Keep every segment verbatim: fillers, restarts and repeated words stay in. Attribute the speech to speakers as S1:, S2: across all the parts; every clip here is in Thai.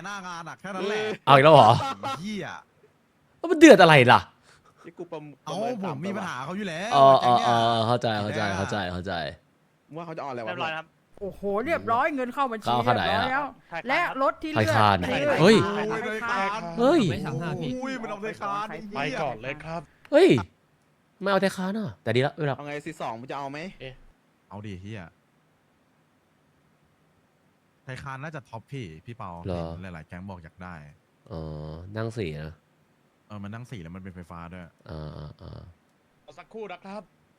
S1: หน้างานอ่ะแค่นั้นแหละ
S2: เอาอีกแล้วเหรอ
S1: เหี้ย
S2: แล้วมันเดือดอะไรล่ะ
S3: ที่กูประม
S1: เอาผมมีปัญหาเขาอยู่แล้ว
S2: อ๋อ
S1: แก๊
S2: อ๋
S1: ง
S2: อ
S1: เนี่ย
S2: อ๋อเข้าใจเข้าใจเข้าใจเข้าใจ
S3: ว่าเขาจะเอาอะไรวะ
S4: เรียบร้อยครับ
S5: โอ้โหเรียบร้อยเงินเข้าบัญชี
S2: เข้า
S5: เรียบร้อย
S2: เข้าไหนอะ
S5: แล้ว และรถที่เลือก
S2: ไทยคาน
S5: คือ
S2: เฮ้ย
S1: โอ้ยเลยคาน
S2: เฮ้ย
S6: ไม่สั่งห้าพี่
S1: อุ้ยมันเอาเลยคาน
S4: ไปก่อนเลยครับ
S2: เฮ้ยไม่เอาแต่ค้าน่ะแต่ดีแล้วเวลา
S3: เอาไงซีสองมึงจะเอาไหม
S1: เอาดิเฮียไทยคานน่าจะท็อปพี่พี่เปาเห็นหลายๆแก๊งบอกอยากได้
S2: อ๋อนั่งสี่นะ
S1: เออมันนั่งสี่แล้วมันเป็นไฟฟ้าด้วย
S2: อ่าอ่าอ่า
S4: สักครู่นะครับ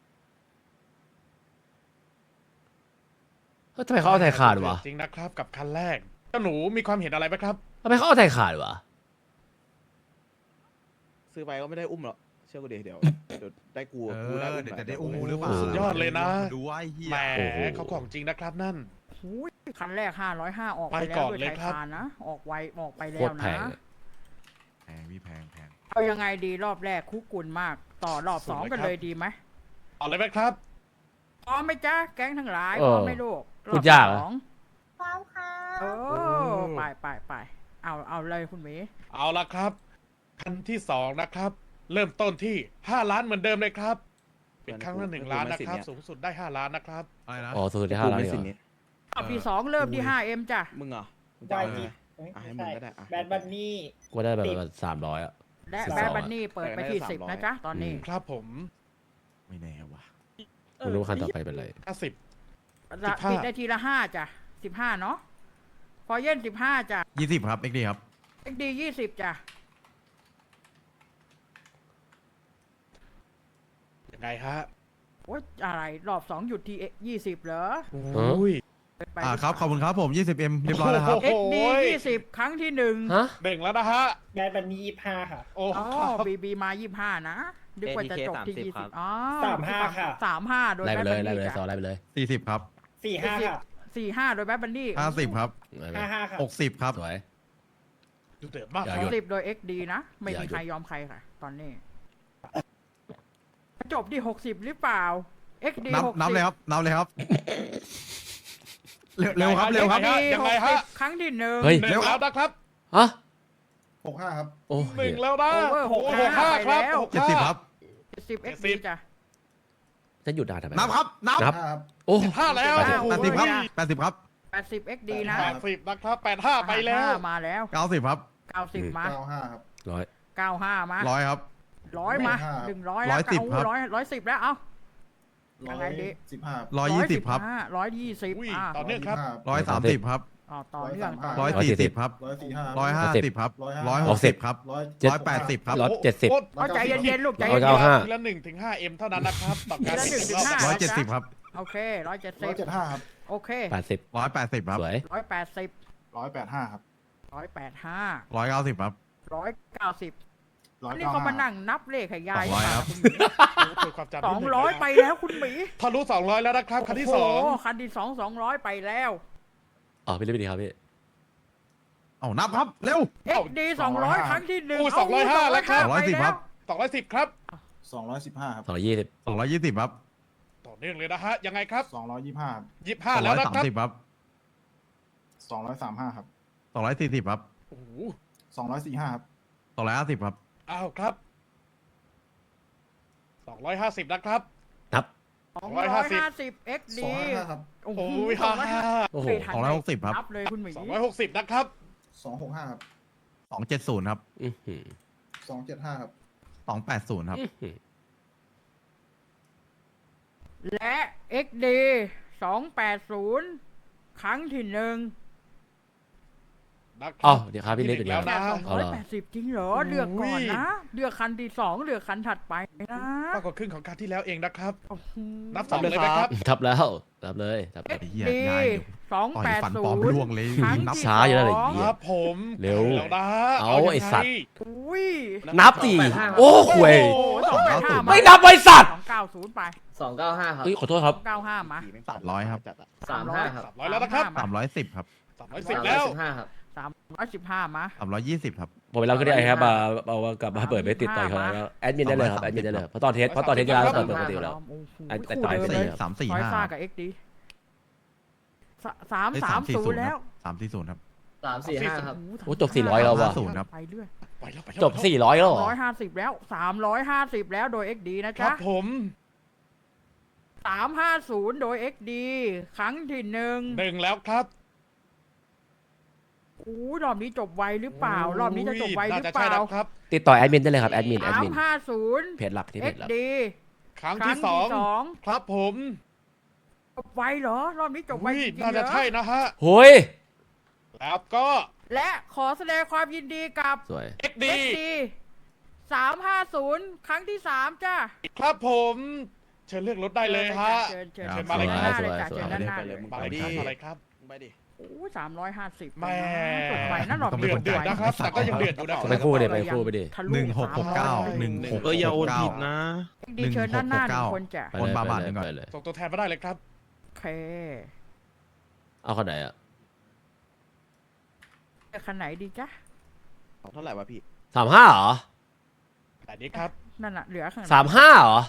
S2: เฮ้ยทำไมเขาเอาไทยขาดวะ
S4: จริงนะครับกับคันแรกเจ้าหนูมีความเห็นอะไรไหมครับ
S2: ทำไมเขาเอาไทยขาดวะ
S3: ซื้อไปก็ไม่ได้อุ้มหรอกเชื่อกูดิเดี๋ยวเดี๋ยวได้กู
S1: เอ
S3: กูได้
S1: อ
S3: อุ้ม
S1: เดี๋ยว
S3: หน่
S1: จะได้อุ้มหรือเปล่า
S4: สุดยอดเลยนะ
S1: ดูว่าไอ้เฮีย
S4: แหมเขาของจริงนะครับนั่น
S5: หูยคันแรกห้าร้อยห้าออกไป
S4: ไป
S5: แล้ว
S4: ก่อน
S5: ด้วย
S4: เลย
S5: ไทย
S4: ครับ
S5: คานนะ ออกไวออกไป
S2: โค
S5: แล้ว
S2: ตรแพ
S5: นะ
S2: งเลย
S1: แพงพี่แพงแพง
S5: เอายังไงดีรอบแรกคุกกุ่นมาก ต่อรอบสองกันเลยดีไหม
S4: เอาเลยไหมครับ
S5: พร้อมไหมจ๊ะแก๊งทั้งหลาย
S2: เอ
S5: พ
S2: อ
S5: ร้อมไหมลูกร
S2: พู
S5: อ
S2: ด
S5: บ
S2: ยาก
S5: ส
S2: อะ
S5: อง
S7: พร้อมค่ะ
S5: เออไปไปไปเอาเอาเลยคุณหมี
S4: เอาละครับ คันที่สองนะครับ เริ่มต้นที่ห้าล้านเหมือนเดิมเลยครับ เป็นครั้งละหนึ่งล้านนะครับ สูงสุดได้ห้าล้านนะครับ
S1: อะไรนะ
S2: อ๋อสุดที่
S3: กู
S2: ห้าล้าน
S3: ไม่
S2: เหร
S3: สิ
S2: อ
S3: นี้
S5: รอบที่สองเริ่มที่ห้าเอ็มจ้ะ
S3: มึงเหรอมึงจะ
S7: วา
S3: เอา
S7: ย
S3: ไง
S7: จี
S3: อ่ะให้มึงก็ได้อ่ะ
S7: แบดบันนี่
S2: กูได้แบบสามร้อยอ่ะ
S5: และ
S2: สิบ
S5: แบ
S2: ส
S5: ด
S2: อง
S5: บันนี่เปิดไปที่สิบนะจ๊ะตอนนี้
S4: ครับผม
S1: ไม่แน่ว่ะ
S2: ไม่รู้ว่าคันต่อไปเป็นอะไร
S4: ห้าสิบ
S5: ละ
S4: สิบห้า
S5: ติดได้ทีละห้าจ้ะสิบห้าเนาะพอเย็นสิบห้าจ้ะ
S1: ยี่สิบครับเอ็กดีครับ
S5: เอ็กดียี่สิบจ้ะ
S4: ยังไงฮะ
S5: โอ๊ยอะไรรอบสองหยุดที่ยี่สิบเหรอ
S4: โอ้ย
S5: ไป
S1: อ่าครับขอบคุณครับผมยี่สิบเอ็มเรียบร้อยแล้วครับ
S5: เอ็กดี
S4: โอ้ย
S5: ยี่สิบครั้งที่หนึ่ง
S2: ฮะ
S4: เบ่งแล้วนะฮะ
S7: แบดบันนี่ยี่ห้าค่ะ
S4: โอ้
S5: อ๋อ
S4: ครับ
S5: บีบีมายี่ห้านะนึกว่าจะจบที่
S3: เอ ที เค
S5: ยี่สิบ
S3: สามสิบ
S5: อ๋อ
S7: สามห้าค่ะ
S5: สามห้าโดย
S2: ไล่ไป
S5: แบท
S2: เลย
S5: บัน
S2: ไล่ไป
S5: นี่
S2: เลยซอ
S5: จ้ะ
S2: ไล่ไปเลย
S1: สี่สิบครับ
S7: สี่ห้าค่ะ
S5: สี่ห้าโดยแบทบันนี่
S1: ห้าสิบครับ
S2: ไล่ไป
S7: ห้าห้าค่ะ
S1: หกสิบครับ
S2: สวย
S4: ดูเดือดมาก
S2: อย่า
S4: ค
S2: หยุ
S4: รับ
S2: ด
S5: สิบโดยเอ็กดีนะ ไม่
S2: อย่า
S5: มี
S2: หยุด
S5: ใครยอมใครค่ะ ตอนนี้ จบที่หกสิบหรือเปล่าเอ็กดี
S1: นับ
S5: หกสิบ
S1: นับเลยครับนับเลยครับ เร็วเร็วครับเร็วครับ
S4: ยังไงฮะ
S5: ครั้งที่หนึ่ง
S2: เฮ้ย
S4: หนึ่งแล้วนะครับ
S2: ฮะ
S8: หกห้าครับ
S2: โอ้
S4: หนึ่
S2: ย
S4: งแล้วนะ
S5: โอเวอร์หก
S4: โอ้โห
S5: ห้า
S4: ห้า
S5: ไป
S4: ครับ
S5: แล้ว
S4: หก
S1: เจ็ดสิบครับ
S5: สิบเอ็กดีจ้ะ
S2: จะหยุดนานทำไม
S1: นับครับนับ
S2: นับ
S8: ห้าครับ
S2: โอ้
S4: ห้าแล้ว
S1: แปดสิบ
S4: โอ้โห
S1: แปดสิบครับแปดสิบครับ
S5: แปดสิบเอ็กดีนะ
S4: แปดสิบนะครับแปดห้าไปแล้ว
S5: ห้ามาแล้ว
S1: เก้าสิบครับ
S5: เก้าสิบมา
S8: เก้าห้าครับ
S2: ร้อย
S5: เก้าห้ามา
S1: ร้อยครับ
S5: ร้อยมา
S8: ห้า
S5: หนึ่งร้อย
S1: ร้
S5: แล้ว
S1: อยสิบครับ
S5: ร้อยร้อยสิบแล้ว เอ้า ยังไงดี
S8: สิบห้า
S1: ร้อยยี่สิบครับ
S5: ร้อยยี่สิบ
S4: อุ้ย
S5: อ่ะ
S4: ต่อเนื่องครับ
S1: ร้อยสามสิบครับ
S5: อ๋อต่อเนื่องต่อ
S1: ร้อย
S5: เนื่อง
S1: สี่สิบครับ
S8: ร้อยสี่ห้า
S1: ร้อยห้าสิบครับ
S8: ร้
S1: ร้อ
S8: อย ย
S1: ห
S8: ห
S1: ก
S8: ก
S1: สิ
S8: สิ
S1: บบ ครับ
S8: ร้อย
S1: ร้อยแปดสิบครับ
S2: ร้อยเจ็ดสิบ
S5: เอาใจเย็นๆลูกใจ
S2: ร้อย
S5: เย็
S2: เก้าน ห้า
S4: ทีละหนึ่งถึงห้าเอ็มเท่านั้นนะครับต่อการ
S5: ทีละหนึ่งถึงห้า
S1: ร้อยเจ็ดสิบครับ
S5: ๆโอเคร้อยเจ็ด
S8: ร้
S5: สิ
S8: อย
S5: บ
S8: เจ็ดห้าครับ
S5: โอเค
S2: แปดสิบ
S1: ร้อยแปดสิบครับ
S2: สวย
S5: ร้อยแปดสิบ
S8: ร้อยแปดห้าครับ
S5: ร้อยแปดห้า
S1: ร้อยเก้าสิบครับ
S5: ร้อยเก้าสิบ
S8: ร้อย
S5: นี่
S8: เก้า
S5: เขามา
S8: ห้า
S5: นั่งนับเลขให้ยาย
S1: สองร้อยครับ
S4: คุยความจำนิด
S5: ส
S4: นึ
S5: อง
S4: นะ
S5: ร้อยไปแล้วคุณหมี
S4: ทะลุสองร้อยแล้วนะครับคันที่สอง
S5: โโหคันที่สองสองร้อยไปแล้ว
S2: อ๋อพี่เล่นไปดีครับพี่
S1: เอานับครับเร็ว
S5: เอ็กดีสองร้อยครั้งที่หนึ่ง
S4: อู้สองร้อยห้าแล้วครับ
S1: สองร้อยสิบครับ
S4: สองร้อยสิบครับ
S8: สองร้อยสิบห้าครับ
S2: สองร้อยยี่สิบ
S1: สองร้อยยี่สิบครับ
S4: ต่อเนื่องเลยนะฮะยังไงครับ
S8: สองร้อยยี่ห้า
S4: ยี่สิบ
S1: ส
S4: ห้า
S1: อง
S4: แล้
S1: ร้
S4: ว
S1: อย
S4: นะ
S1: สาม
S4: ครับ
S1: สิบครับ
S8: สองร้อยสามห้าครับ
S1: สองร้อยสี่สิบครับ
S4: โอ้โห
S8: สองร้อยสี่ห้าครับ
S1: สองร้อยห้าสิบครับ
S4: อ้าวครับสองร้อยห้าสิบนะครับ
S2: นับ
S5: สองร้อยห้าสิบเอ็ก
S8: สอ
S5: ดี
S8: งร้อยห้าครับ
S5: โอ้โห
S4: โอ้ยห้าห้า
S2: โอ้โห
S1: สองร้อยหกสิบครับ
S5: นับเลยคุณหมี
S4: สองร้อยหกสิบนะครับ
S8: สองหกห้าครับ
S1: สองเจ็ดศูนย์ครับ
S2: อื้อหือ
S8: สองเจ็ดห้าครับ
S1: สองแปดศูนย์ครับ
S2: อื้อหือ
S5: และ เอ็ก ดี สองแปดศูนย์ครั้งที่หนึ่ง
S4: นะค
S2: อ๋อ
S4: รับ
S2: เดี๋ยวครับพี่เล่นไปดีค
S4: แล้
S2: รั
S4: ว
S2: บ
S4: นะ
S5: สองร้อยแปดสิบจริงเหรอ เลือกก่อนนะ เลือกคันที่สองเลือกคันถัดไปนะ
S4: มากกว่าครึ่งของการที่แล้วเองนะครับ
S5: โอ้โห
S4: นับสองเลยไหมครับ
S2: ทับแล้วทับเลยทับ
S5: เอ็
S2: แล้ว
S5: ก
S1: เหี้ย
S5: ดี
S1: ยาย
S5: สอง
S1: ต่อย
S5: แปด
S1: ฟัน
S5: ศู
S1: ปลอม
S5: นย์
S1: ร่วงเลย
S5: ครั้ง
S1: นับ
S5: ที่
S2: ช้าอยู่แล้วเลย
S5: สอง
S4: ครับผม
S2: เร็ว
S4: แล้วนะ
S2: เอา
S4: ยังง
S2: ไอ้สัตว์
S5: อุ้ย
S2: นับสิโอ้โหย
S5: โอ้โหสองแปดห้า
S2: ไม่นับไว้สัตว์
S5: สองเก้าศูนย์ไป
S6: สองเก้าห้าครับ
S2: เฮ้ยขอโทษครับ
S5: สองเก้าห้ามา
S1: สามร้อยครับ
S3: จัดอะ
S6: สามห้าครับ
S4: สามร้อยแล้วนะครับ
S1: สามร้อยสิบครับ
S4: สามร้อยสิบแล้ว
S6: สิบห้าครับ
S5: สามร้อยสิบห้ามา
S1: สามร้อยยี่สิบครับ
S2: ผมไปรับก็ได้ครับมาเอากลับมาเปิดไม่ติดต่อยเขาแล้วแอดมินได้เลยครับแอดมินได้เลยเพราะตอนเทสเพราะตอนเทสจะเปิดปกติอยู่แล้ว
S5: โอ้โห
S2: ไอ้แต่
S5: คู่
S2: ต่อย
S5: เดิม
S2: สี่
S5: เลย
S2: ครับ
S1: สามสี่
S5: ซอย
S1: ห้า
S5: ซ่ากับเอ็กดีสาม
S1: เอ้ย
S5: สามศูนย์แล้ว
S1: สามสี่ศูนย์ครับ
S6: สามสี่ห้าครับ
S2: โอ้จบสี่ร้อยแล้วว่ะ
S1: ศูนย์ครับ
S5: ไปเรื่อย
S4: ไปแล้วไปแล้ว
S2: จบสี่ร้อยแล้วเหรอ
S5: ร้อยห้าสิบแล้วสามร้อยห้าสิบแล้วโดย เอ็กซ์ ดี นะ
S4: ครั
S5: จ๊ะ
S4: บผม
S5: สามห้าศูนย์โดย เอ็กซ์ ดี ครั้งที่หนึ่ง
S4: หนึ่งแล้วครับ
S5: อู้รอบนี้จบไวหรือเปล่า รอบนี้จะจบไวหรือเป
S4: น่าจะใช่
S5: ล่า
S4: แล้วครับ
S2: ติดต่อแอดมินได้เลยครับแอดมินแอด
S5: สาม
S2: มิน
S5: ห้าศูนย์
S2: เพจหลักที่เพ
S5: เอ็
S2: จ
S5: ก
S2: หลัก
S5: ซ์ ดี
S4: ครั้ง
S5: ครั้
S4: ที่
S5: ง
S4: สอง
S5: ที่สอง
S4: ครับผม
S5: จบไวเหรอ รอบนี้จบไว
S4: อุ้ย
S5: จริงๆ
S4: น่า
S5: เหร
S4: จะ
S5: อ
S4: ใช่นะฮะ
S2: โฮ้ย
S4: แล้วก็
S5: และขอแสดงความยินดีกับ
S2: สวย
S4: เอ็ก
S5: เอ็
S4: ดี
S5: กซ์ ดี สามห้าศูนย์ครั้งที่สามจ้า
S4: ครับผม เชิญเลือกรถได้เลยฮะ
S5: เชิญเชิญ
S1: ครั
S5: เชิ
S1: บ
S5: ญมาเลย
S2: สวย
S5: หน้าเลย
S2: สวย
S5: จ้ะ
S2: สวย
S5: เชิญด้านหน้า
S3: ไป
S5: เล
S3: เลย
S5: ย
S3: มึง
S4: มา
S3: ไป
S4: เลย
S3: ดิ
S4: ครับอะไรครับ
S3: ไปดิ
S5: โอ้สามร้อยห้าสิบ
S4: แม่
S5: จบไวนะรอบนี้
S4: เดือดเดือดนะครับ แต่ก็ยังเดือดอยู่นะ
S2: ไปคู่ดิไปคู่ไปดิ
S5: ทะลุ
S1: หนึ่งหกหกเก้าหนึ่งหก
S9: เอออย่าโอนผิดนะ
S5: ดีเชิญด้านหน้าหนึ่งคนจ้ะ
S2: ไป
S1: คน
S2: เลย
S1: บา
S2: ไป
S1: บาท
S2: เล
S1: หนึ่
S2: ย
S1: งก่อน
S2: ไปเลย
S4: ส่งตัวแทนมาได้เลยครับ
S5: โอเค
S2: เอาคนไหนอ่ะ
S5: จะคันไหนดีจ๊ะ
S3: เอาเท่าไหร่วะพี่
S2: สามห้าเหรอ
S4: แต่นี้ครับ
S5: นั่นน่ะเหลือข้างหลัง
S2: สามห้าเหรอ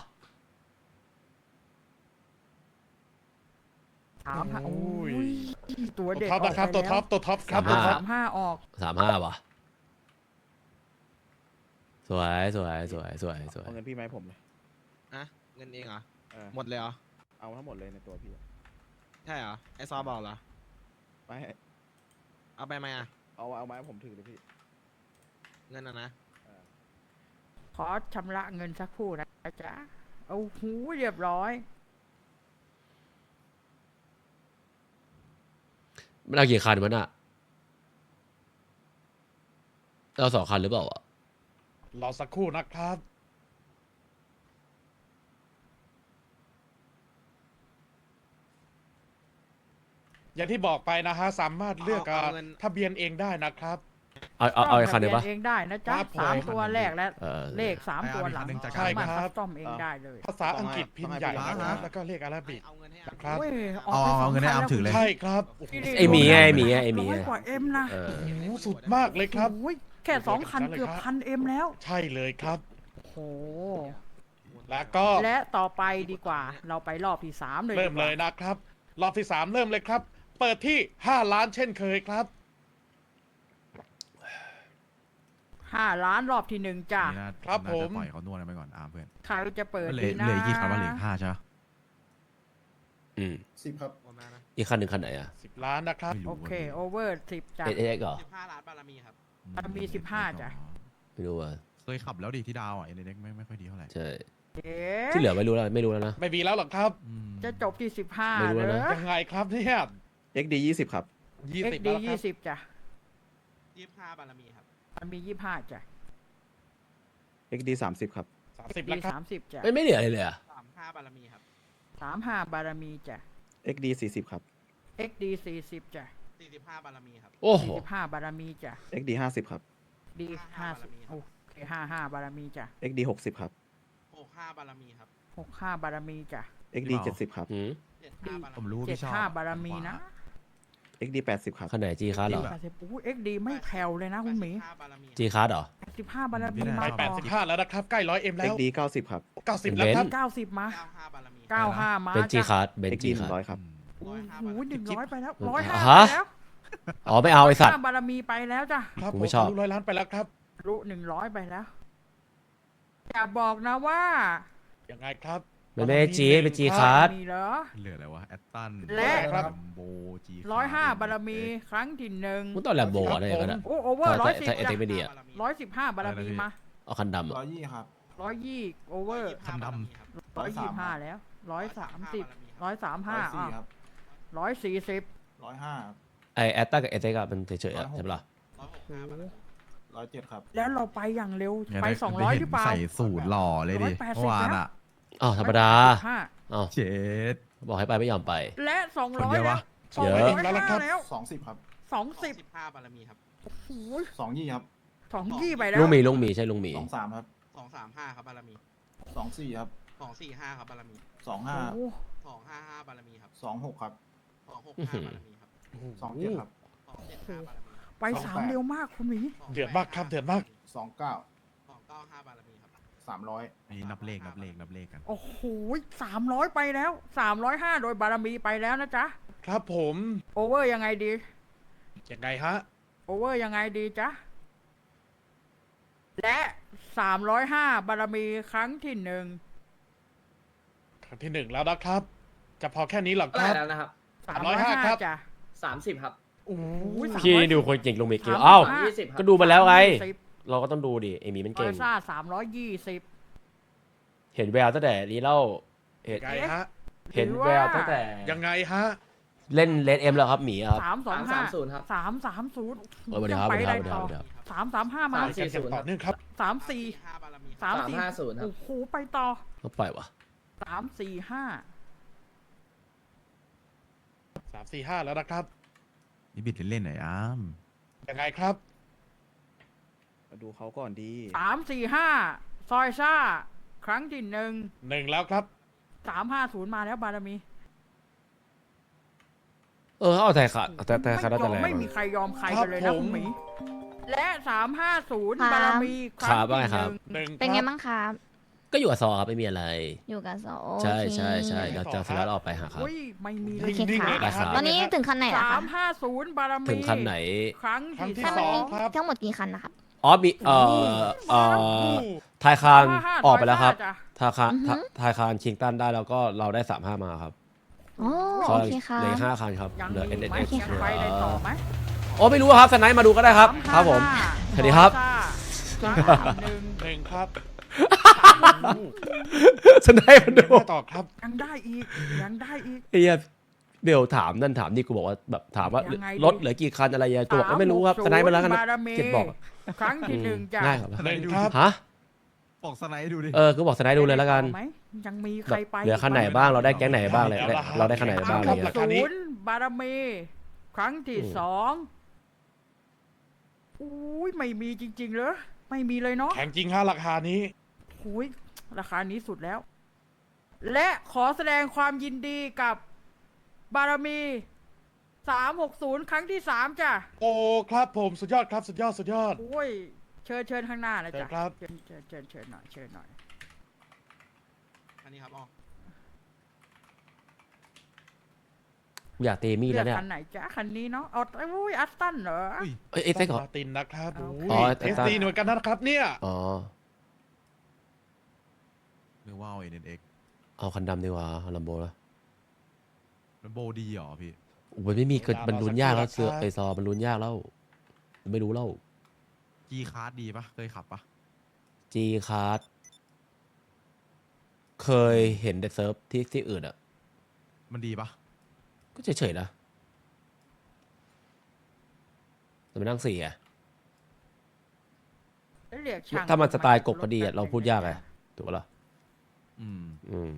S5: สามห้า
S4: โอ้
S5: โอ้
S4: ย
S5: ยตัว
S4: ตัว
S5: เด็ก
S4: ท็อปนะครับ ตัวท็อป ตัวท็อปครับ
S2: สาม
S4: ตัว
S2: ห้า
S4: ท็อป
S5: สามห้าออก
S2: สามห้าวะสวยสวยสวยสวยสวย
S3: เอาเงินพี่มาให้ผมเลย
S9: อะเงินเองเหรอ
S3: เออ
S9: หมดเลยเหรอ
S3: เอาทั้งหมดเลยในตัวพี่อะ
S9: ใช่เหรอ ไอซอบอกเหรอ
S3: ไปให้
S9: เอาไปไหมอ่ะ
S3: เอาเอามาให้ผมถือเลยพี่
S9: เงินอ่ะนะ
S5: ขอชำระเงินสักครู่นะจ๊ะเอาหูเรียบร้อย
S2: มันเอากี่คันวะน่ะเอาสองคันหรือเปล่าอ่ะ
S4: รอสักครู่นะครับ อย่างที่บอกไปนะฮะ สามารถเลือก
S9: เอาเอาเงิน
S4: ทะเบียนเองได้นะครับ
S2: เอาเอาเอาอีกคันหนึ่งปะ
S5: เองได้นะจ๊ะ
S4: ครับผม
S5: สามตัวแรกและ
S2: เออ
S5: เลขสามตัวหลัง
S1: เอาอีกคันหนึ่งจาก
S5: สามารถ
S4: ใช่ครั
S5: คั
S4: บ
S5: สตอมเองได้เลย
S4: ภาษาอังกฤษพิมพ์ใหญ่
S3: ต้องให้
S4: นะครับ
S3: พี่
S4: แล้วก็เลขอาราบิก
S9: เอาเงินให้
S4: นะครับ
S5: โอ้ย
S1: เอาเอาเงินให้อาร์มถือเลย
S4: ใช่ครับ
S2: ไอหมีไงไอหมีไงไอหมี
S5: ร้อย
S2: ไง
S5: กว่าเอ็มนะ
S2: เออ
S4: โอ้โหสุดมากเลยครับ
S5: โอ้ยแค่สองคันเกือบพันเอ็มแล้ว
S4: ใช่เลยครับ
S5: โอ้โห
S4: แล้วก็
S5: และต่อไปดีกว่า เราไปรอบที่สามเลย
S4: เริ่ม
S5: ดีกว่า
S4: เลยนะครับ รอบที่สามเริ่มเลยครับ เปิดที่ห้าล้านเช่นเคยครับ
S5: ห้าล้านรอบที่หนึ่งจ้ะ
S1: นี่น่า
S4: ครับ
S1: น่า
S4: ผ
S1: จะ
S4: ม
S1: ปล่อยเขานวดกันไปก่อนอาร์มเพื่อน
S5: ใครจะเปิด
S1: เหลื
S5: ดี
S1: อ
S5: นะ
S1: เหลืออีกกี่คันวะเหลืออีกห้าใช่ปะ
S2: อืม
S8: สิบครับ
S9: โอนมานะ
S2: อีกคันหนึ่งคันไหนอ่ะ
S4: สิบล้านนะครับ
S1: ไม่รู้
S5: โอเคโอเวอร์สิบจ้ะ
S2: เอเอ็กเหรอ
S9: สิบห้าล้านบารมีครับ
S5: มันมีสิบห้าจ้ะ
S2: ไม่รู้อ่ะ
S1: เคยขับแล้วดิที่ดาวอ่ะเอ็นเด็กไม่ไม่ค่อยดีเท่าไหร่
S2: ใช่
S5: เอ๊
S2: ที่
S5: ะ
S2: เหลือไม่รู้แล้วไม่รู้แล้วนะ
S4: ไม่มีแล้วหรอกครับ
S1: อืม
S5: จะจบที่สิบห้า
S2: ไม่รู้
S5: เล
S2: แล้ว
S5: ย
S2: นะ
S4: ยังไงครับเนี่ย
S3: เอ็กดียี่สิบครับ
S4: ยี่
S5: เอ็ก
S4: สิบ
S5: ดี
S4: แล้วครั
S5: ยี่
S4: บ
S5: สิบจ้ะ
S9: ยี่สิบห้าบารมีครับ
S5: มันมียี่ห้าจ้ะ
S3: เอ็กดีสามสิบครับ
S4: สามสิบ
S5: ดี
S4: แล้วครับ
S5: สามสิบจ้ะ
S2: ไม่ไม่เหลืออะไรเลยอ่ะ
S9: สามห้าบารมีครับ
S5: สามห้าบารมีจ้ะ
S3: เอ็กดีสี่สิบครับ
S5: เอ็กดีสี่สิบจ้ะ
S9: สี่สิบห้าบารมีครับ
S2: โอ้โห
S5: สี่สิบห้าบารมีจ้ะ
S3: เอ็กดีห้าสิบครับ
S5: ดีห้าสิบโอเคห้าห้าบารมีจ้ะ
S3: เอ็กดีหกสิบครับ
S9: หกห้าบารมีครับ
S5: หกห้าบารมีจ้ะ
S3: เอ็กดีเจ็ดสิบครับ
S2: หืม
S9: เจ็ดห้าบาร
S1: ผม
S9: มี
S1: รู้ว่า
S5: เจ็ด
S1: พี่ชอบ
S5: ห้าบารมีนะ
S3: เอ็กดีแปดสิบครับ
S2: คันไหนจีคัสเหรอ
S5: แปดสิบอู้เอ็กดีไม่แผ่วเลยนะคุณหมี
S9: แปดสิบห้าบารมี
S2: จีคัสเหรอ
S5: แปดสิบห้าบารมี
S1: พี่
S5: มา
S1: ได้
S4: ไปแปด
S5: ต่อ
S4: สิบห้าแล้วนะครับ ใกล้ร้อยเอ็มแล้
S3: เอ็ก
S4: ว
S3: ดีเก้าสิบครับ
S4: เก้าสิบแล้วครับ
S5: เก้าสิบมา
S9: เก้าห้าบารมี
S5: เก้าห้ามา
S2: เป็นจี
S5: จ้ะ
S2: คัสเป็น
S3: เอ็ก
S2: จี
S3: ดีห
S2: คั
S3: นึ่
S2: ส
S3: งร้อยครับ
S5: โอ้โหหนึ่งร้อยไปแล้ว
S2: จิ๊บ
S5: ร้อยห้า
S2: ฮะ
S5: ไปแล้ว
S2: อ๋อไม่เอาไอสัตว์
S5: ห้าบารมีไปแล้วจ้ะ
S4: ครับ
S2: กู
S4: ผ
S2: ไม่
S4: ม
S2: ชอบ
S4: ทะลุร้อยล้านไปแล้วครับ
S5: รู้หนึ่งร้อยไปแล้วอย่าบอกนะว่า
S4: ยังไงครับ
S2: มันไม่ใช่จีเป็นจีคัส
S5: มีเหรอ
S1: เหลืออะไรวะแอตตัน
S5: และ
S1: โบจี
S5: ร้อยห้าบารมีครั้งที่หนึ่ง
S2: มึงต้องแลมโบอะไรอย่างเงี้ย
S5: โอ้โอเวอร์
S2: ถ้า
S5: ร้อยสิบ
S2: ถ้าเอ
S5: จ้ะ
S2: เต็กไม่ดีอ่ะ
S5: ร้อยสิบห้าบารมีมา
S2: เอาคันดำ
S8: ร้
S2: อ่ะ
S8: อยยี่ครับ
S5: ร้อยยี่โอเวอร์
S9: คันดำครับ
S5: ร้อยยี่ห้าแล้วร้อยสามสิบ
S9: ร้อยสามห้า
S5: ร้อยสามห้า
S8: ร้อยสี่ครับ
S5: ร้อยสี่สิบ
S8: ร้อยห้าครับ
S2: ไอแอตตากับเอเต็กอะมันเฉยๆอะใช่ปะล่ะ
S9: ร้อยหกห้าบารมี
S8: ร้อยเจ็ดครับ
S5: แล้วเราไปอย่างเร็ว
S1: เนี่ย
S5: ไป
S1: ด้
S5: สองร้อย
S1: ได้
S5: หรือเปล่า
S1: ใส่สูตรหล่อเลยดิ
S5: ร้อยแปดสิบ
S1: เมื่อวานอ่ะ
S2: อ้าวธรรมดา
S5: ห้า
S2: อ้าว
S1: เจ็ด
S2: บอกให้ไปไม่ยอมไป
S5: และสอง
S1: คน
S5: ร้อย
S1: เดียว
S5: แล้ว
S1: วะ
S5: สอง
S2: เย
S5: ร้
S2: อะ
S5: อยห้าแล้ว
S8: สองสิบครับ
S5: สองสิบ
S9: สิบห้าบารมีครับ
S5: โอ้โห
S8: สองยี่ครับ
S5: สองยี่ไปแล้ว
S2: ลุงหมีลุงหมีใช่ลุงหมี
S8: สองสามครับ
S9: สองสามห้าครับบารมี
S8: สองสี่ครับ
S9: สองสี่ห้าครับบารมี
S8: สองห้า
S5: โอ้โห
S9: สองห้าห้าบารมีครับ
S8: สองหกครับ
S9: สองหกห้าบารมีครับ
S8: สองเจ็ดครับ
S9: สองเจ็ดห้าบารมีครับ
S5: ไปสามเร็วมากคุณหมี
S4: เดือดมากครับเดือดมาก
S8: สองเก้า
S9: สองเก้าห้าบารมีครับ
S8: สามร้อย
S1: อันนี้นับเลขนับเลขนับเลขกัน
S5: โอ้โหสามร้อยไปแล้วสามร้อยห้าโดยบารมีไปแล้วนะจ๊ะ
S4: ครับผม
S5: โอเวอร์ยังไงดี
S4: ยังไงฮะ
S5: โอเวอร์ยังไงดีจ๊ะ และสามร้อยห้าบารมีครั้งที่หนึ่ง
S4: ครั้งที่หนึ่งแล้วนะครับ จะพอแค่นี้หรอครับ
S6: แล้วนะครับ
S5: สามร้อยห้า
S4: ครับ
S5: จ้ะ
S6: สามสิบครับ
S4: โอ้
S5: อุ้ย
S4: ย
S5: สาม
S2: พี่
S5: ร้อย
S2: ดูคนเก่งลงเมกิว
S5: สาม
S2: อ้าว
S5: ห้า
S6: ยี่สิบครับ
S2: ก็ดูมาแล้วไง
S5: สิบ
S2: เราก็ต้องดูดิเอมี่มัน
S5: อ
S2: เก่
S5: อง ซ่าสามร้อยยี่สิบ
S2: เห็นแววตั้งแต่นี้เล่าเห็น
S4: ยังไงฮะ
S2: เห็นแววตั้งแต่
S4: ยังไงฮะ
S2: เล่นเลดเอ็มแล้วครับหมีครับ
S5: สามสอง
S6: สา
S5: ห้าม
S6: ศูนย์ครับ
S5: สามสามศูนย์
S2: เออสวัสดีครับ
S5: ไป
S2: สวัส
S5: ได้
S2: ดีค
S5: ต่
S2: รั
S5: อบ
S2: สวัสดีครับ
S5: สามสามห้ามา
S6: สาม
S4: ไปกันอย่างต่อเนื่องครับ
S5: สามสี่
S9: ห้าบารมีครับ
S5: สาม
S6: สาม
S5: สี่
S6: ห้าศูนย์ครับ
S5: โอ้โหไปต่อ
S2: ก็ปล่อยวะ
S5: สามสี่ห้า
S4: สามสี่ห้าแล้วนะครับ
S1: นี่บิดเล่นๆหน่อยอ้าม
S4: ยังไงครับ
S3: มาดูเขาก่อนดี
S5: สามสี่ห้าซอยซ่า ครั้งที่หนึ่ง
S4: หนึ่งแล้วครับ
S5: สามห้าศูนย์มาแล้วบารมี
S2: เออเอาแต่ขาดแต่แต่ขาด
S5: ไม่
S2: แต่
S5: ยอม
S2: แรง
S5: ไม่มีใครยอมใครกันเลยนะครับ
S4: ผม
S5: คุณหมี และสามห้าศูนย์
S7: ครับ
S5: บารมีครั้ง
S2: ครับว่า
S5: ที่
S2: ไงครับ
S5: หนึ่ง
S4: หนึ่ง
S7: เป็นไง
S4: ครับ
S7: บ้างครับ
S2: ก็อยู่กับซอครับไม่มีอะไร
S7: อยู่กับโซโอ
S2: ใช่
S7: เค
S2: ใช่ใช่
S4: โอเค
S2: หลังจากเสร็จแล้วเราออกไปหาครับ
S5: อุ้ยไม่มีเล
S7: โอย เค
S4: นิ่งๆ
S7: ค่ะ
S4: เลยนะครั
S2: ได้ครับ
S7: ตอนนี้ถึงคันไหนแล้ว
S5: สา
S7: คะ
S5: มห้าศูนย์บารมี
S2: ถึงคันไหน
S5: ครั้ง
S4: ครั้งที่
S5: ที่
S4: ส
S5: ส
S4: อ
S5: อง ง
S4: ครับ
S7: ทั้งหมดกี่คันนะครับ
S2: อ๋อมีเอ่อเอ่อทายคานออกไปแล้วครับทายคาน
S7: อือฮึ
S2: ทายคานชิงตันได้แล้วก็เราได้สามห้ามาครับ
S7: อ๋อ
S2: ซอ
S7: โอย เคค่ะ
S2: เหลือห้าคันครับ
S5: ยัง
S2: เหลือเอ็น
S5: มี
S2: เอ็น
S5: ไหม
S2: เอ็กซ์
S5: ยังไปได้ต่อไหม
S2: โอ้ไม่รู้ครับสไนป์มาดูก็ได้ครับ ครับผม สวัสดีครับ
S5: ครั้งที่หนึ่ง
S4: หนึ่งครับ
S2: สไนป์มาดู
S4: เดินหน้าต่อครับ
S5: ยังได้อีก ยังได้อีก
S2: ไอ้เหี้ยเบลถามนั่นถามนี่กูบอกว่าแบบถามว่า
S5: ยังไงดี
S2: รถเหลือกี่คันอะไรยังกูบอกว่าไม่รู้ครับสไนป์มาแล้วกัน
S5: บารมี
S2: เจ็ดบอก
S5: ครั้งที่หนึ่งจ้ะ
S2: ง่ายครับ
S4: หนึ่งครับ
S2: ฮะ
S1: บอกสไนด์ดูดิ
S2: เออกูบอกสไนป์ดูเลยแล้วกัน
S5: ไหมยังมีใค
S2: แบ
S5: ร
S2: บ
S5: ไป
S2: เหลือคันไหนบ้างเราได้แก๊งไหนบ้างเลยได้เราได้คันไหนบ้างอะไร
S4: ครั
S2: เงี้
S4: บ
S2: ย
S4: ราคานี้
S5: ศูนย์บารมี ครั้งที่
S2: อืม
S5: สองอุ้ยไม่มีจริงๆเลยไม่มีเลยเนาะ
S4: แข่งจริงฮะราคานี้
S5: อุ้ยราคานี้สุดแล้ว และขอแสดงความยินดีกับบารมีสามหกศูนย์ครั้งที่สามจ้ะ
S4: โอ้ครับผมสุดยอดครับสุดยอดสุดยอด
S5: โอ้ยเชิญเชิญข้างหน้านะจ๊ะ
S4: เชิญครับ
S5: เชิญเชิญเชิญเชิญหน่อยเชิญหน่อย
S9: อันนี้ครับออก
S2: อยากเตมี่
S5: เลื
S2: แล้
S5: อก
S2: วเนี่ย
S5: คันไหนจ๊ะคันนี้เนาะเอาอุ้ยอัสตันเหรอ
S1: อุ้ย
S2: เอ้ยเอ็กซ์เหรอ
S4: มาตินนะครับ
S5: เอา
S2: อ๋อ
S4: เอสดีหน่วยกันนะครับเนี่ย
S2: อ๋อ
S1: หรือว่าเอาเอ็นเอ็ก
S2: เอาคันดำดีกว่าลัมโบนะ
S1: มันโบดีเหรอพี่
S2: โอ้ยไม่มีเกิดมันลุ้นยากแล้วเสือไอซอมันลุ้นยากแล้วไม่รู้แล้ว
S1: จีคาร์ดดีปะเคยขับปะ
S2: จีคาร์ดเคยเห็นแต่เซิร์ฟที่ที่อื่นอ่ะ
S1: มันดีปะ
S2: ก็เฉยๆนะแต่ไม่นั่งสี่อ่ะ
S5: เรียกช่าง
S2: ถ้ามันสไตล์กบก็ดีอะเราพูดยากไงถูกปะล่ะ
S1: อืม
S2: อืม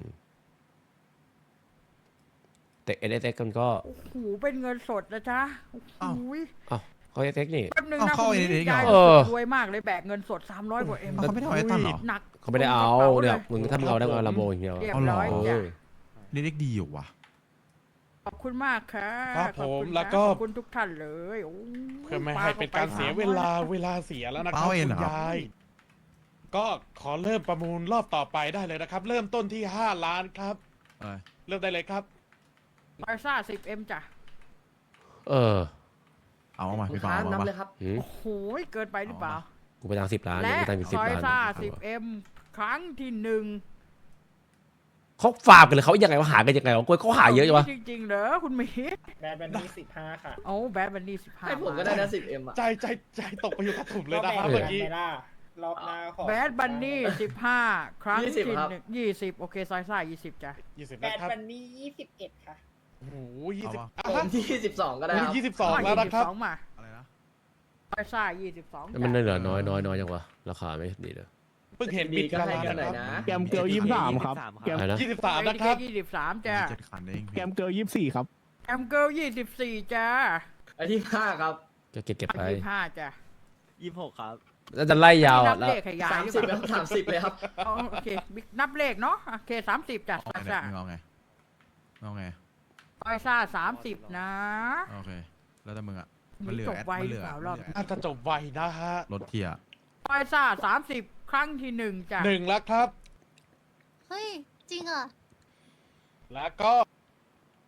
S2: แต่เอ เอส เอ็กซ์มันก็
S5: โอ้โหเป็นเงินสดนะจ๊ะโอ้โห
S2: อ้าวเขาเอสเอ็กซ์นี่
S5: แป๊บนึง
S1: เอา
S5: นะ
S1: เข้า
S5: คุณ
S1: เอ็นเอ็กซ์
S5: ยาย
S1: เหรอ
S2: เออ
S5: รวยมากเลยแบกเงินสดสามร้อยกว่าเอ็ม
S1: เอาเขาไม่ได้เอาไอ้ตันเหรอ
S5: หนัก
S2: เขาไม่ได้เอา
S5: ตรงกระป๋
S2: เนี่ย
S5: ล
S2: มึงถ้ามึงเอาได้ก็ลำโบอย่างเดียว
S5: เรียบ
S1: เอาเหรอ
S5: ร้อย
S2: เอ
S5: จ้ะ
S2: อ
S1: เอ็นเอ็กซ์ดีอยู่วะ
S5: ขอบคุณมากค่ะ
S4: ครับ
S5: ขอบคุณ
S4: ผมแล้วก็
S5: ขอบคุณทุกท่านเลยโอ้ย
S4: เพื่อไม่ให้เป็นการเสียเวลาเวลาเสียแล้วนะครับ
S1: เป้าเอ็น
S4: คุ
S1: เหร
S4: ณ
S1: อครับ
S4: ยาย ก็ขอเริ่มประมูลรอบต่อไปได้เลยนะครับ เริ่มต้นที่ห้าล้านครับ
S1: เออ
S4: เริ่มได้เลยครับ
S5: บาร์ซ่าสิบเอ็มจ้ะ
S2: เออ
S1: เอามา
S6: ลู
S1: พี่
S6: ก
S1: เปา
S6: ค้า
S1: เอา
S6: นับ
S1: มา
S6: เลยครับ
S2: หืม
S5: โอ้โหเกินไปหรือเปล่า
S2: กูไปทางสิบล้าน
S5: และ
S2: กูไปทางสิบ
S5: ซอย
S2: ล้าน
S5: ซ่าสิบเอ็มครั้งที่หนึ่ง
S2: เขาฝากกันเลยเขายังไงว่าหากันยังไงวะกูเขาหาเยอะจังวะ
S5: จริงๆเหรอคุณหมี
S7: แบรนด์บันนี่สิบห้าค่ะ
S5: โอ้แบดบันนี่สิบห้า
S6: ให้ผมก็ได้นะสิบเอ็มอ่ะ
S4: ใจใจใจตกไปอยู่กับถุ่มเลยนะครับเมื่อกี้
S7: รอบหน้าขอ
S5: แบดบันนี่สิบห้าครั้ง
S6: ยี่สิ
S5: ที่
S6: บครับ
S5: หนึ่งยี่สิบโอเคซอยซ่ายี่สิบจ้ะ
S4: ยี่สิบ
S7: แบร
S4: นะ
S7: นด์
S4: ครับ
S7: บันนี่ยี่สิบเอ็ดค่ะ
S4: โอ้โหยี่สิบ
S1: เอา
S4: อ่ะ
S6: ผมที่สิบสองก็ได้ครับ
S4: ยี่สิบสองแล้วนะครับ
S5: ยี่สิสองมา
S1: อะไรนะ
S5: ซอยซ่ายี่สิบสอง
S2: แล้วมันเหลือน้อยน้อยน้อยจังวะราคาไม่ดีเลย
S4: เพิ่งเห็นบิดกันแล้ว
S6: ก็ให้กันหน่
S4: นะ
S6: อย
S4: ครับ
S6: นะ
S10: แกมเกิลยี่สิบสามครับแกม
S2: อะไรนะ
S4: ยี่สิบสามนะครับ
S5: ยี่สิบสามจ้ะ
S1: เจ็ดคันเอง
S10: แกมเกิลยี่สิบสี่ครับ
S5: แอมเกิลยี่สิบสี่จ้ะ
S6: อันที่ห้าครับ
S2: ก็เก็บเก็บไป
S5: ยี่สิบห้าจ้ะ
S9: ยี่สิบหกครับ
S2: แล้วจะไล่ยาว
S5: นั
S2: อะ
S5: บ
S2: แล้ว
S5: เลขขยาย
S6: สาม
S5: หรือ
S6: สิบ
S5: เป
S6: แล้
S5: ล่าว
S6: สามสิบเลยครับ
S5: อ๋อโอเคบิ๊กนับเลขเนาะโอเคสามสิบจ้ะ
S1: เอา
S5: ซอย
S1: ไง
S5: ซ่า
S1: เนี่ยมึงเอาไงเอาไง
S5: ซอยซ่าสามสิบนะ
S1: โอเค แล้วแต่มึงอ่ะ มันเหลือ
S5: จบ
S1: แอด
S5: ไว
S1: มัน
S5: ห
S1: เห
S5: รื
S1: ลื
S5: อ
S1: อ
S5: เปล่ารอบ
S1: มันเหลือ
S4: น่าจะจบไวนะฮะ
S1: รถเทียร์
S5: ซอยซ่าสามสิบครั้งที่หนึ่งจ้ะ
S4: หนึ่งแล้วครับ
S7: เฮ้ย จริงเหรอ
S4: แล้วก็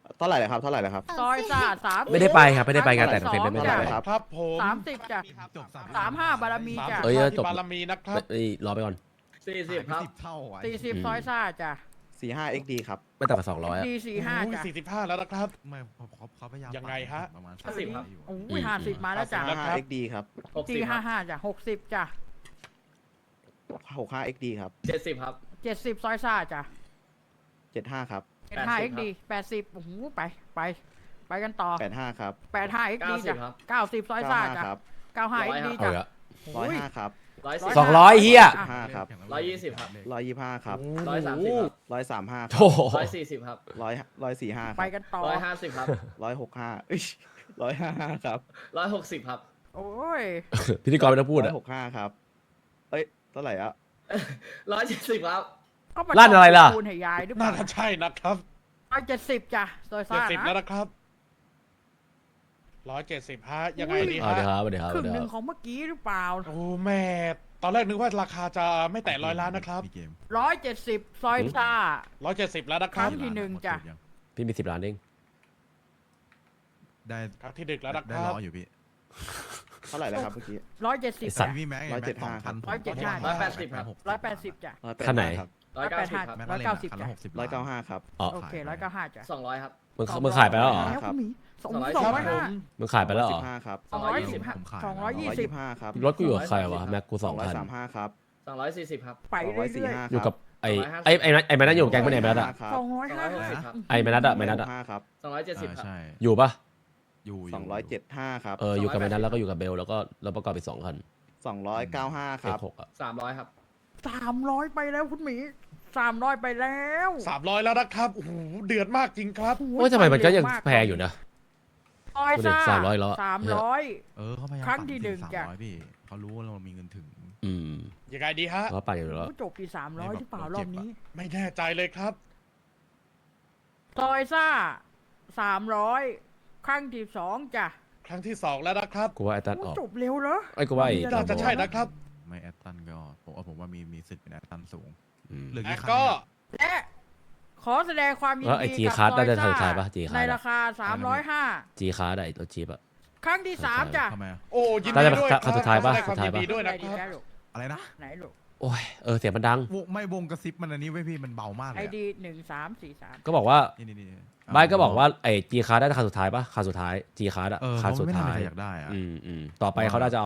S3: เท่าไหร่เลยครับเท่าไหร่เลยครับ
S5: ซอยซ่าสาม
S2: ไม่ได้ไปครับไม่ได้ไปงานแต่งเต็มไม่
S3: เท่า
S2: ได้
S3: ไหร่
S2: ไป
S3: เลยครับ
S4: ครับผม
S5: สามสิบจ้ะ
S1: จบสาม
S5: สามห้าบารมี
S4: สาม
S5: จ้ะ
S2: เอ้ย
S4: สิบ
S2: จบ
S4: บารมีนะครับ
S2: เอ้ยรอไปก่อน
S6: สี่สิบครับ
S1: สิบเท่าอ่ะ
S5: สี่สิบซอยซ่าจ้ะ
S3: สี่ห้า เอ็กซ์ ดี ครับ
S2: ไม่ต่ำกว่าสองร้อยอะ
S5: ดีสี่ห้าจ้ะ
S4: สี่สิบห้าแล้วนะครับ
S1: ไม่เขาเขาเขาพยายาม
S4: ยังไงฮะ
S1: ประมาณ
S6: ห้าสิบครับ
S1: อยู่
S5: โอ้ยห้าสิบมาแล้วจ้ะ
S4: แล้ว
S3: ห้า เอ็กซ์ ดี ครับ
S6: หกสิ
S5: ดี
S6: บค
S5: ห้า
S6: รับ
S5: ห้าจ้ะหกสิบจ้ะ
S3: หกห้า เอ็กซ์ ดี ครับ
S6: เจ็ดสิบครับ
S5: เจ็ดสิบซอยซ่าจ้ะ
S3: เจ็ดห้า ครับ
S5: เจ็ดห้า
S6: แป
S5: เอ็
S6: ด
S5: ก
S6: สิบ
S5: ดีแปดสิบโอ้โหไปไปไปกันต่อ
S3: แปดห้า ครับ
S5: แปดห้าเอ็กดี
S6: เก้าสิ
S5: จ้ะ
S6: บครับ
S5: เก้าสิบซอยซ่า
S3: เก้าห้า
S5: จ้ะ
S3: ครับ
S5: เก้าห้าเอ็กดี
S2: เอา
S5: จ้ะ
S2: ละ
S3: ร้อยห้า ครับ
S6: ร้อยสิบ
S2: สองร้อยเฮีย
S3: ห้าครับ
S6: ร้อยยี่สิบครับ
S3: ร้อยยี่ห้า ครับ
S6: ร้อยสามสิบครับ
S3: ร้อยสามห้า
S2: โถ่
S6: ร้อยสี่สิบครับ
S3: ร้อยร้อยสี่ห้า
S5: ไปกันต่อ
S6: ร้อยห้าสิบครับ
S3: ร้อยหกห้าเอ้ยร้อยห้าห้าครับ
S6: ร้อยหกสิบครับ
S5: โอ้ย
S2: พิธีกรไม่ต้องพูด
S3: ร้อ
S2: อะ
S3: ยหกห้าครับ เอ้ย เท่าไหร่อะ
S6: ร้อยเจ็ดสิบครับ
S5: เอามา
S2: ลั่นอะไรล่ะ
S5: คูณให้ยายหรือเป
S4: น่า
S5: ล่า
S4: จะใช่นะครับ
S5: ร้อยเจ็ดสิบจ้ะซอย
S4: เจ็ด
S5: ซ่า
S4: สิบแล้ว
S5: นะ
S4: นะครับร้อยเจ็ดสิบฮะยังไงดี
S2: เอา
S4: ฮะ
S2: เดี๋ยวครับเดี๋ยวครับ
S5: ครึ่ง
S2: เดี๋ยว
S5: ห
S2: ค
S5: นึ่
S2: รั
S5: ง
S2: บ
S5: ของเมื่อกี้หรือเปล่า
S4: โอ้แม่ตอนแรกนึกว่าราคาจะไม่แตะร้อยล้านนะครับ
S1: พี่เกม
S5: ร้อยเจ็ดสิบซอยซ่า
S4: ร้อยเจ็ดสิบแล้วนะค
S5: ครั้
S4: รับ
S5: งที่หนึ่งจ้ะ
S2: พี่มีสิบล้านเอง
S1: ได้
S4: ครั้งที่ดึกแล้วนะค
S1: ได้
S4: รับ
S1: ล้ออยู่พี่
S3: เท่าไหร่แล้วครับเมื่อกี้
S5: ร้อยเจ็ดสิบ
S2: ไอ้สัตว์
S1: พี่แม็ก
S3: ร้อยเจ็ดห้า
S1: พัน
S5: ร้อยเจ็ดห้า
S6: ร้อยแปดสิบครับ
S5: ร้อยแปดสิบจ้ะ
S3: ร้อยแปด
S2: ท่านไหน
S3: ครับ
S6: ร้อยเก้าสิบครับ
S5: ร้อยเก้าสิบ
S1: คันละหกสิบ
S3: ร้อยเก้าห้าครับ
S2: อ๋อ
S5: โอเคร้อยเก้าห้าจ้ะ
S6: สองร้อยครับ
S2: มึงมึงขายไปแล้วเหรอ
S5: แล้วคุณหมีสอง
S6: สองร้อย
S5: สองร้อยห้า
S2: มึงขายไปแล้วเหรอ
S3: สิบห้าครับ
S5: สองร้อยสิบ
S1: ผมขาย
S5: สองร้อย
S3: สอง
S5: ยี่
S3: ร้อย
S5: สิบ
S3: ยี่สิบห้าครับ
S2: รถกูอยู่กับใครวะแม็กกูส
S3: ส
S2: อ
S3: อง งร้อย
S2: พัน
S3: สามห้าครับ
S6: สองร้อยสี่สิบครับ
S5: ไป
S3: สองร้อยสี่
S5: เรื่อย
S3: ห้า
S2: อยู่กับไอ้
S6: สองร้อยห้าสิบ
S2: ไอ้ไอ้ไอ้แมนัทอยู่กับแก๊งไม่ไหนแมนัทอะ
S3: ครับ
S5: ๆสองร้อย
S6: สอง
S5: ห้า
S6: ร้อยหกสิบ
S5: สิบ
S6: ครับ
S2: ไอ้แมนัทอะแมนัทอะ
S3: ห้าครับ
S6: สองร้อยเจ็ดสิบ
S1: อ่า
S6: ครับ
S1: ใช่
S2: อยู่ปะ
S1: อยู่ยู่
S3: สองร้อยเจ็ดห้าครับ
S2: เอออยู่กับแมนัทแล้วก็อยู่กับเบลแล้วก็เราประกอบไปสองคัน
S3: สองร้อยเก้าห้าค
S2: เอ็
S3: รับ
S2: กหกอะ
S6: สามร้อยครับ
S5: สามร้อยไปแล้วคุณหมีสามร้อยไปแล้ว
S4: สามร้อยแล้วนะครับโอ้โหเดือดมากจริงครับ
S5: โอ้
S2: โอ้ยทำไมมันก็ยัง
S5: เร็วา
S2: แพงอยู่นะ
S5: ซอยซ่า
S2: สามร้อยแล้วอะ
S5: สามร้อย
S1: เออเขาพยายาม
S5: ครั้งที่หนึ่ง
S1: สาม
S5: จ้ะ
S1: ร้อยพี่เขารู้ว่าเรามีเงินถึง
S2: อืม
S4: ยังไงดีฮะ
S2: เขาปั่นอยู่แล้ว
S5: จบที่สามร้อยหรือเปล่ารอบนี้
S4: ไม่แน่ใจเลยครับ
S5: ซอยซ่าสามร้อยครั้งที่สองจ้ะ
S4: ครั้งที่สองแล้วนะครับ
S2: กูว่าไอ้ตันอ
S5: โอ้
S2: อก
S5: จบเร็วเหรอ
S2: ไอ้กูว่าไอ้
S4: น่าจะใช่นะครับ
S1: ไม่แอตตันก็ผมว่าผมว่ามีมีสิทธิ์เป็นแอตตันสูง
S2: อืม
S1: เหลือ
S4: แล้
S1: กี่
S4: ว
S1: คัน
S4: ก็
S1: เนี่ย
S5: และขอแสดงความยิน
S2: แล้วไอ้
S5: ดี
S2: G
S5: กับ
S2: Card
S5: ซอย
S2: น่าจะ
S5: ซ่า
S2: ถ่ายปะ G Card
S5: ในราคาสามร้อยห้า
S2: จีคาร์ดไอ้รถจีบอะ
S5: ครั้งที่สามจ้ะ
S1: ทำไมอะ
S4: โอ้ยิน
S2: น่า
S4: ดี
S2: จะ
S4: ด้วย
S2: ครั้งสุดท้ายปะ
S4: แสดงความ
S2: สุดท้าย
S4: ยิน
S2: ปะ
S4: ดีด้วย
S5: ไหน
S4: นะ
S5: ดี
S4: ค
S5: แก
S4: รับ
S5: ลูก
S1: อะไรนะ
S5: ไหนลูก
S2: โอ้ยเออเสียงมันดัง
S1: วงไม่วงกระซิบมันอันนี้ไว้ยพี่มันเบามากเล
S5: ไอย
S1: อะ
S5: ดีหนึ่งสามสี่สาม
S2: ก็บอกว่า
S1: นี่นี่นี่
S2: ไบร์ทก็บอกว่าไอ้จีคาร์ดได้คันสุดท้ายปะคันสุดท้ายจีคาร์ดอะ
S1: เออ
S2: คัน
S1: เขา
S2: สุด
S1: ไม่น่า
S2: ท้าย
S1: มีใครอยากได้อะ
S2: อืมอืมต่อไปเขาน่าจะ